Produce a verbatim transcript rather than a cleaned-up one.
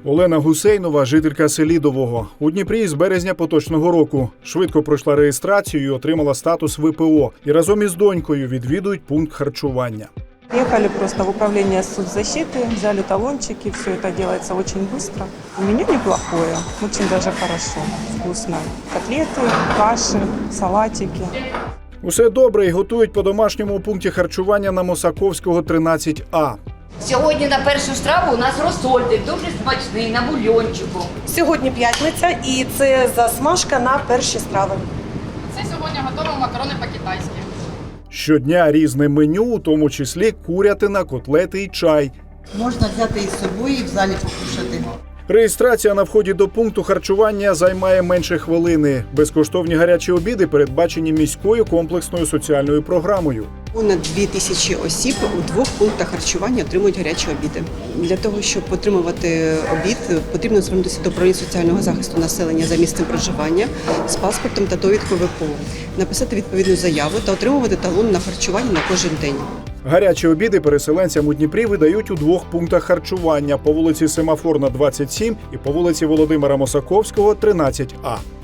Олена Гусейнова – жителька Селідового. У Дніпрі з березня поточного року. Швидко пройшла реєстрацію і отримала статус В П О. І разом із донькою відвідують пункт харчування. Ехали просто в управление соцзащиты, взяли талончики, все это делается очень быстро. Меню неплохое, очень даже хорошо, вкусно. Котлеты, каши, салатики. Усе добре і готують по-домашньому у пункті харчування на Мосаковського, тринадцять А. Сьогодні на першу страву у нас розсольник, дуже смачний, на бульйончику. Сьогодні п'ятниця і це засмажка на перші страви. Це сьогодні готові макарони по-китайськи. Щодня різне меню, у тому числі курятина, котлети і чай. Можна взяти із собою і в залі покушати. Реєстрація на вході до пункту харчування займає менше хвилини. Безкоштовні гарячі обіди передбачені міською комплексною соціальною програмою. Понад дві тисячі осіб у двох пунктах харчування отримують гарячі обіди. Для того, щоб отримувати обід, потрібно звернутися до управління соціального захисту населення за місцем проживання з паспортом та довідкою В П О, написати відповідну заяву та отримувати талон на харчування на кожен день. Гарячі обіди переселенцям у Дніпрі видають у двох пунктах харчування – по вулиці Семафорна, двадцять сім і по вулиці Володимира Мосаковського, тринадцять А.